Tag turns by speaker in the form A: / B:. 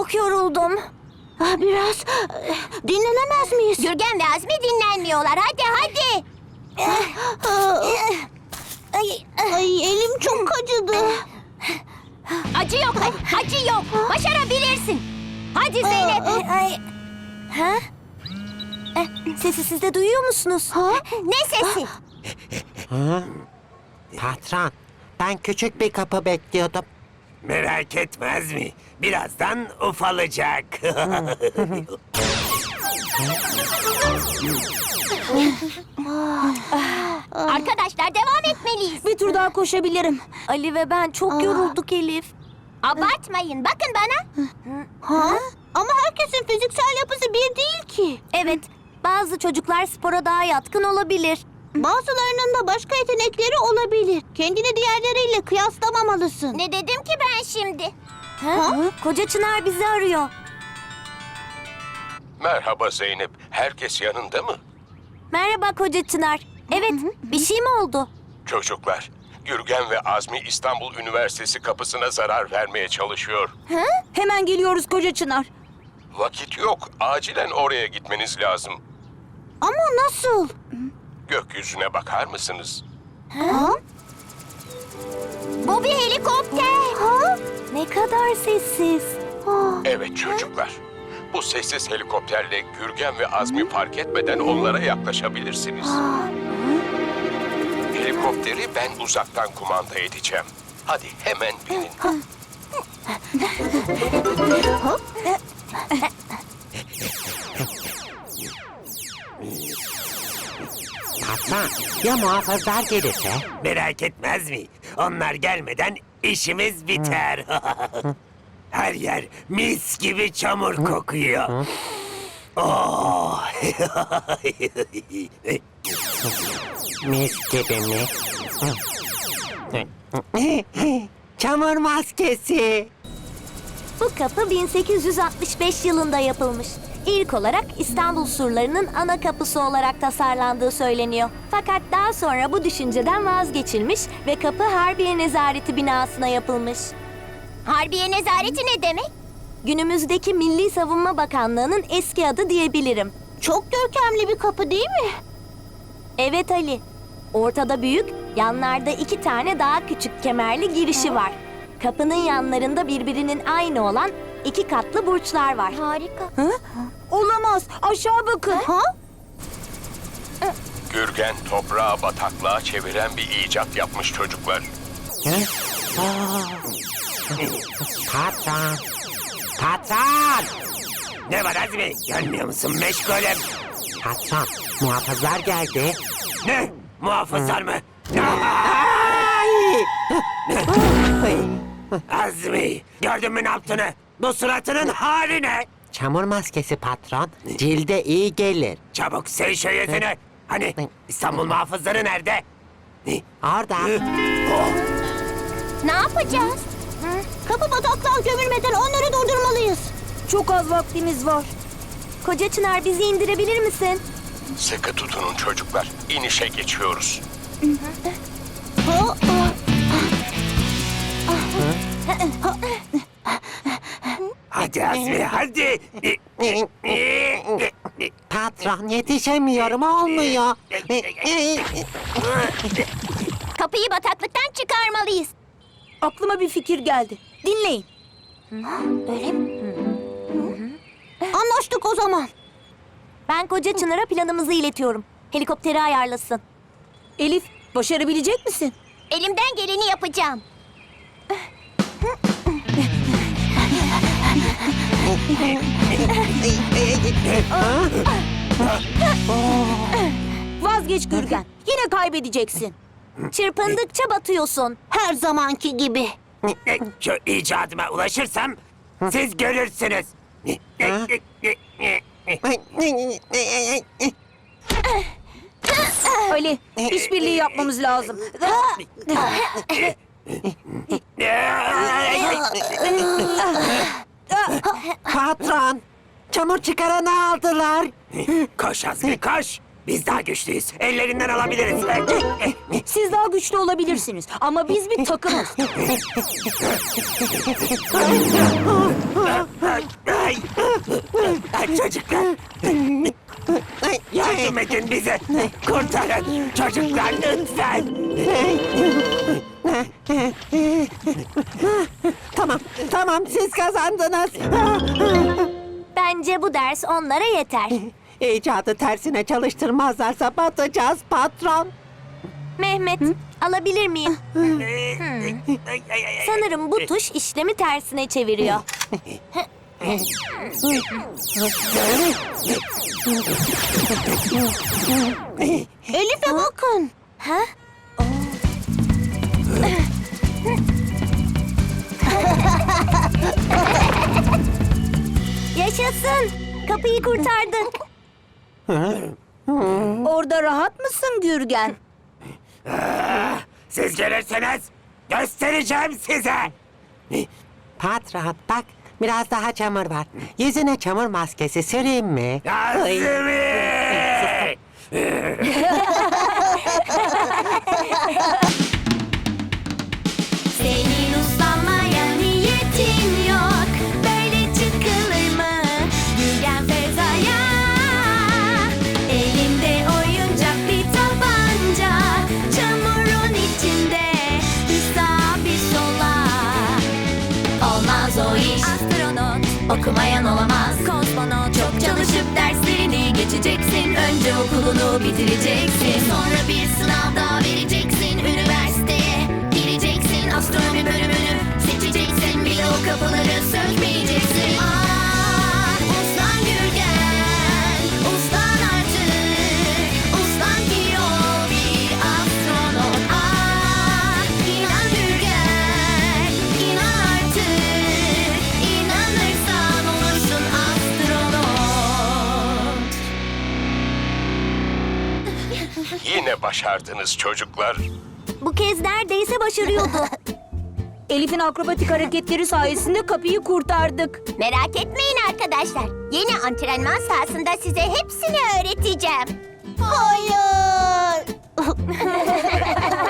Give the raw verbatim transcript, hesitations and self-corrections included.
A: çok yoruldum.
B: Ah, Biraz dinlenemez miyiz?
A: Gürgen ve Azmi dinlenmiyorlar. Hadi hadi.
B: Ay, ay elim çok acıdı.
A: Acı yok hadi. Acı yok. Başarabilirsin. Hadi Zeynep. Ay. Ha? Eh, Sesi siz de duyuyor musunuz?
B: Ha?
A: Ne sesi?
C: Patron, ben küçük bir kapı bekliyordum.
D: Merak etmez mi? Birazdan ufalacak.
A: Arkadaşlar devam etmeliyiz.
B: Bir tur daha koşabilirim.
A: Ali ve ben çok yorulduk Elif. Abartmayın. Bakın bana.
B: Ha? Ama herkesin fiziksel yapısı bir değil ki.
A: Evet. Bazı çocuklar spora daha yatkın olabilir.
B: Bazılarının da başka yetenekleri olabilir. Kendini diğerleriyle kıyaslamamalısın.
A: Ne dedim ki ben şimdi? Ha? Koca Çınar bizi arıyor.
E: Merhaba Zeynep. Herkes yanında mı?
A: Merhaba Koca Çınar. Evet, bir şey mi oldu?
E: Çocuklar, Gürgen ve Azmi İstanbul Üniversitesi kapısına zarar vermeye çalışıyor.
B: Hemen geliyoruz Koca Çınar.
E: Vakit yok. Acilen oraya gitmeniz lazım.
B: Ama nasıl?
E: Gökyüzüne bakar mısınız?
B: Ha?
A: Bu bir helikopter. Ha? Ne kadar sessiz.
E: Evet çocuklar. Bu sessiz helikopterle Gürgen ve Azmi fark etmeden onlara yaklaşabilirsiniz. Helikopteri ben uzaktan kumanda edeceğim. Hadi hemen binin.
C: Patron, ya muhafızlar gelirse?
D: Merak etmez mi? Onlar gelmeden işimiz biter. Her yer mis gibi çamur kokuyor. Oh.
C: Mis gibi mi? Çamur maskesi.
A: Bu kapı bin sekiz yüz altmış beş yılında yapılmış. İlk olarak İstanbul surlarının ana kapısı olarak tasarlandığı söyleniyor. Fakat daha sonra bu düşünceden vazgeçilmiş ve kapı Harbiye Nezareti binasına yapılmış. Harbiye Nezareti ne demek? Günümüzdeki Milli Savunma Bakanlığı'nın eski adı diyebilirim.
B: Çok görkemli bir kapı değil mi?
A: Evet Ali. Ortada büyük, yanlarda iki tane daha küçük kemerli girişi var. Kapının yanlarında birbirinin aynı olan iki katlı burçlar var. Harika.
B: Ha? Olamaz. Aşağı bakın. Ha?
E: Gürgen toprağı bataklığa çeviren bir icat yapmış çocuklar.
C: Hı? Aa! Patron, patron!
D: Ne var Azmi? Görmüyor musun meşgulüm?
C: Patron, muhafızlar geldi.
D: Ne? Muhafızlar mı?
C: Ay! Ay!
D: Azmi, gördün mü ne yaptığını? Bu suratının hali ne?
C: Çamur maskesi patron, cilde iyi gelir.
D: Çabuk sil şu yüzünü. Hani İstanbul muhafızları nerede?
C: Orada.
A: Ne yapacağız?
B: Kapı bataklığa gömülmeden onları durdurmalıyız. Çok az vaktimiz var.
A: Koca Çınar bizi indirebilir misin?
E: Sıkı tutunun çocuklar. İnişe geçiyoruz.
B: Ha?
D: Hadi Azmi, hadi.
C: Patron, yetişemiyorum, olmuyor.
A: Kapıyı bataklıktan çıkarmalıyız.
B: Aklıma bir fikir geldi. Dinleyin.
A: Öyle mi?
B: Anlaştık o zaman.
A: Ben Koca Çınar'a planımızı iletiyorum. Helikopteri ayarlasın.
B: Elif, başarabilecek misin?
A: Elimden geleni yapacağım.
B: Vazgeç Gürgen. Yine kaybedeceksin.
A: Çırpındıkça batıyorsun.
B: Her zamanki gibi.
D: Şu icadıma ulaşırsam siz görürsünüz.
B: Ali, işbirliği yapmamız lazım.
C: Patron, çamur çıkaranı aldılar.
D: Koş Azmi, koş. Biz daha güçlüyüz. Ellerinden alabiliriz.
F: Siz daha güçlü olabilirsiniz ama biz bir takımız.
D: Ay, ay, çocuklar. Yardım edin bize. Kurtarın. Çocuklar lütfen.
C: Tamam, tamam siz kazandınız.
A: Bence bu ders onlara yeter.
C: İcadı tersine çalıştırmazlarsa batacağız patron.
A: Mehmet, alabilir miyim?
D: Ay, ay, ay, ay.
A: Sanırım bu tuş işlemi tersine çeviriyor.
B: Elif'e bakın.
A: Ha? Yaşasın. Kapıyı kurtardık.
F: Orada rahat mısın Gürgen?
D: Siz gelirseniz göstereceğim size.
C: Patron bak biraz daha çamur var. Yüzüne çamur maskesi süreyim mi?
D: Azmi!
A: Senin uslanmaya niyetin yok. Böyle çıkılır mı Gürgen Feza'ya? Elinde oyuncak bir tabanca, çamurun içinde bir sağa bir sola. Olmaz o iş. Astronot okumayan olamaz. Kozmonot çok çalışıp derslerini geçeceksin. Önce okulunu bitireceksin. Sonra bir sınav daha vereceksin. Üniversiteye gireceksin. Astronomi bölümünü seçeceksin. Bile o kapıları sökmeyeceksin. Ah, uslan Gürgen, uslan artık. Uslan ki ol bir astronot. Ah, inan Gürgen, inan artık. İnanırsan olursun astronot.
E: Yine başardınız çocuklar.
A: Bu kez neredeyse başarıyordu.
F: Elif'in akrobatik hareketleri sayesinde kapıyı kurtardık.
B: Merak etmeyin arkadaşlar. Yeni antrenman sahasında size hepsini öğreteceğim. Hayır.